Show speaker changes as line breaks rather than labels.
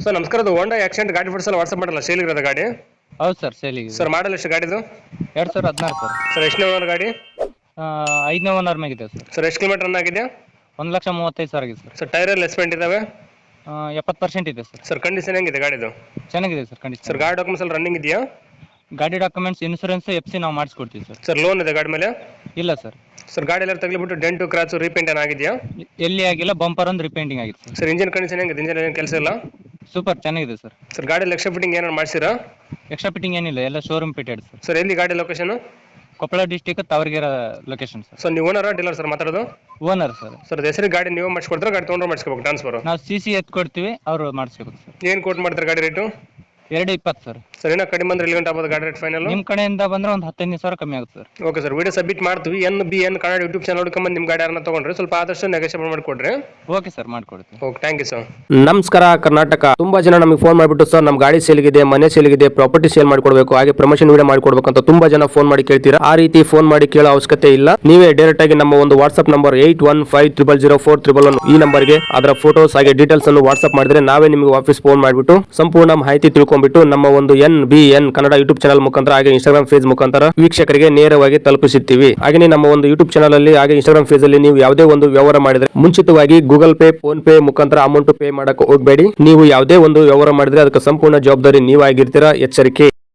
Sir ನಮಸ್ಕಾರ, ಅದು Honda accident ಗಾಡಿ ಫೋಟೋಸ್ ಎಲ್ಲ ವಾಟ್ಸಪ್ ಮಾಡಲ್ಲ, ಸೇಲ್ ಇರೋದು ಗಾಡಿ.
ಹೌದು ಸರ್, ಸೇಲಿಗೆ
ಸರ್ ಮಾಡಲ್ ಎಷ್ಟು ಗಾಡಿದು?
2016 ಸರ್.
ಸರ್ ಎಷ್ಟು ಓನರ್ ಗಾಡಿ?
5ನೇ ಓನರ್ ಮೇಗಿದೆ ಸರ್.
ಸರ್ ಎಷ್ಟು ಕಿಲೋಮೀಟರ್ ರನ್ ಆಗಿದೆ?
1,35,000 ಆಗಿದೆ ಸರ್.
ಸರ್ ಟೈರ್ ಎಲ್ಲ ಎಸ್ಪೆಂಟ್ ಇದಾವೆ?
70% ಇದೆ ಸರ್.
ಸರ್ ಕಂಡೀಷನ್ ಹೆಂಗಿದೆ ಗಾಡಿದು?
ಚೆನ್ನಾಗಿದೆ ಸರ್ ಕಂಡೀಷನ್.
ಸರ್ ಗಾಡಿ ಡಾಕ್ಯುಮೆಂಟ್ಸ್ ಎಲ್ಲ ರನ್ನಿಂಗ್ ಇದೆಯಾ?
ಗಾಡಿ ಡಾಕ್ಯುಮೆಂಟ್ಸ್, ಇನ್ಸೂರೆನ್ಸ್, FC ನಾವು ಮಾಡಿಸ್ಕೊಡ್ತೀವಿ ಸರ್.
ಸರ್ ಲೋನ್ ಇದೆ ಗಾಡಿ ಮೇಲೆ?
ಇಲ್ಲ ಸರ್.
ಸರ್ ಗಾಡಿ ಎಲ್ಲ ತಗಲಿಬಿಟ್ಟು ಡೆಂಟು ಕ್ರಾಚು ರೀಪೇಂಟ್ ಏನಾಗಿದೆಯಾ?
ಎಲ್ಲಿ ಆಗಿಲ್ಲ, ಬಂಪರ್ ಒಂದು ರಿಪೇಂಟಿಂಗ್ ಆಗಿದೆ ಸರ್.
ಸರ್ ಇಂಜಿನ್ ಕಂಡೀಷನ್ ಹೆಂಗಿದೆ? ಇಂಜಿನ್ ಏನು ಕೆಲಸ ಇಲ್ಲ?
ಸೂಪರ್ ಚೆನ್ನಾಗಿದೆ ಸರ್.
ಸರ್ ಗಾಡಿ ಎಕ್ಸ್ಟ್ರಾ ಫಿಟ್ಟಿಂಗ್ ಏನಾರು ಮಾಡಿಸಿರಾ?
ಎಕ್ಸ್ಟ್ರಾ ಫಿಟ್ಟಿಂಗ್ ಏನಿಲ್ಲ, ಎಲ್ಲ ಶೋರೂಮ್ ಫಿಟೆಡ್ ಸರ್.
ಸರ್ ಎಲ್ಲಿ ಗಾಡಿ location?
Koppal district, Tavaragere location sir.
Sir ನೀವು ಓನರಾ ಡೀಲರ್ ಸರ್ ಮಾತಾಡೋದು?
Owner sir.
ಸರ್ ಹೆಸರು ಗಾಡಿ ನೀವು ಮಾಡಿಸ್ಕೊಡ್ತಾರೆ, ಗಾಡಿ ತೊಗೊಂಡ್ರೆ ಮಾಡಿಸ್ಕೋಬೇಕು ಟ್ರಾನ್ಸ್ಫರ್?
ನಾವು CC ಎತ್ ಕೊಡ್ತೀವಿ, ಅವರು ಮಾಡಿಸ್ಬೇಕು ಸರ್.
ಏನು ಕೋಟ್ ಮಾಡ್ತಾರೆ ಗಾಡಿ ರೇಟು?
220 ಸರ್.
ಸರ್ ಏನೋ ಕಡಿಮೆ ಅಂದ್ರೆ 1 ಗಂಟೆ ಆಗ್ಬೋದು ಗಾಡಿ ರೇಟ್ ಫೈನಲ್?
ನಿಮ್ಮ ಕಡೆಯಿಂದ ಬಂದ್ರೆ ಒಂದು 15,000 ಕಮ್ಮಿ ಆಗುತ್ತೆ sir.
Okay sir, video submit ಮಾಡ್ತೀವಿ. NBN ಕನ್ನಡ ಯೂಟ್ಯೂಬ್ ಚಾನಲ್ ಹುಡ್ಕೊಂಬಂದು ನಿಮ್ಮ ಗಾಡಿ ಯಾರನ್ನ ತೊಗೊಂಡ್ರೆ ಸ್ವಲ್ಪ ಆದಷ್ಟು ನೆಗೋಷಿಯೇಟ್ ಮಾಡಿಕೊಡ್ರಿ.
ಓಕೆ ಸರ್, ಮಾಡ್ಕೊಡ್ತೀವಿ.
Okay, thank you sir.
ನಮಸ್ಕಾರ ಕರ್ನಾಟಕ. ತುಂಬಾ ಜನ ನಮಗೆ ಫೋನ್ ಮಾಡಿಬಿಟ್ಟು ಸರ್ ನಮ್ಮ ಗಾಡಿ ಸೇಲ್ಗಿದೆ, ಮನೆ ಸೇಲ್ಗಿದೆ, ಪ್ರಾಪರ್ಟಿ ಸೇಲ್ ಮಾಡಿಕೊಡ್ಬೇಕು, ಹಾಗೆ ಪ್ರಮೋಷನ್ ವಿಡಿಯೋ ಮಾಡಿಕೊಡ್ಬೇಕು ಅಂತ ತುಂಬಾ ಜನ ಫೋನ್ ಮಾಡಿ ಕೇಳ್ತೀರಾ. ಆ ರೀತಿ ಫೋನ್ ಮಾಡಿ ಕೇಳೋ ಅವಶ್ಯಕತೆ ಇಲ್ಲ. ನೀವೇ ಡೈರೆಕ್ಟ್ ಆಗಿ ನಮ್ಮ ಒಂದು ವಾಟ್ಸ್ಆಪ್ ನಂಬರ್ 81500411 ಈ ನಂಬರ್ಗೆ ಅದರ ಫೋಟೋಸ್ ಹಾಗೆ ಡೀಟೇಲ್ಸ್ ಅನ್ನು ವಾಟ್ಸ್ಆಪ್ ಮಾಡಿದ್ರೆ ನಾವೇ ನಿಮಗೆ ವಾಪಸ್ ಫೋನ್ ಮಾಡಿಬಿಟ್ಟು ಸಂಪೂರ್ಣ ಮಾಹಿತಿ ತಿಳ್ಕೊಂಡ್ಬಿಟ್ಟು ನಮ್ಮ ಒಂದು NBN ಕನ್ನಡ ಯೂಟ್ಯೂಬ್ ಚಾನಲ್ ಮುಖಾಂತರ ಹಾಗೆ ಇನ್ಸ್ಟಾಗ್ರಾಮ್ ಪೇಜ್ ಮುಖಾಂತರ ವೀಕ್ಷಕರಿಗೆ ನೇರವಾಗಿ ತಲುಪಿಸುತ್ತೀವಿ. ಹಾಗೆ ನಮ್ಮ ಒಂದು ಯೂಟ್ಯೂಬ್ ಚಾನಲ್ ಅಲ್ಲಿ ಹಾಗೆ ಇನ್ಸ್ಟಾಗ್ರಾಮ್ ಪೇಜ್ ಅಲ್ಲಿ ನೀವು ಯಾವುದೇ ಒಂದು ವ್ಯವಹಾರ ಮಾಡಿದ್ರೆ ಮುಂಚಿತವಾಗಿ ಗೂಗಲ್ ಪೇ, ಫೋನ್ ಪೇ ಮುಖಾಂತರ ಅಮೌಂಟ್ ಪೇ ಮಾಡಕ್ಕೆ ಹೋಗಬೇಡಿ. ನೀವು ಯಾವುದೇ ಒಂದು ವ್ಯವಹಾರ ಮಾಡಿದ್ರೆ ಅದಕ್ಕೆ ಸಂಪೂರ್ಣ ಜವಾಬ್ದಾರಿ ನೀವಾಗಿರ್ತೀರಾ. ಎಚ್ಚರಿಕೆ.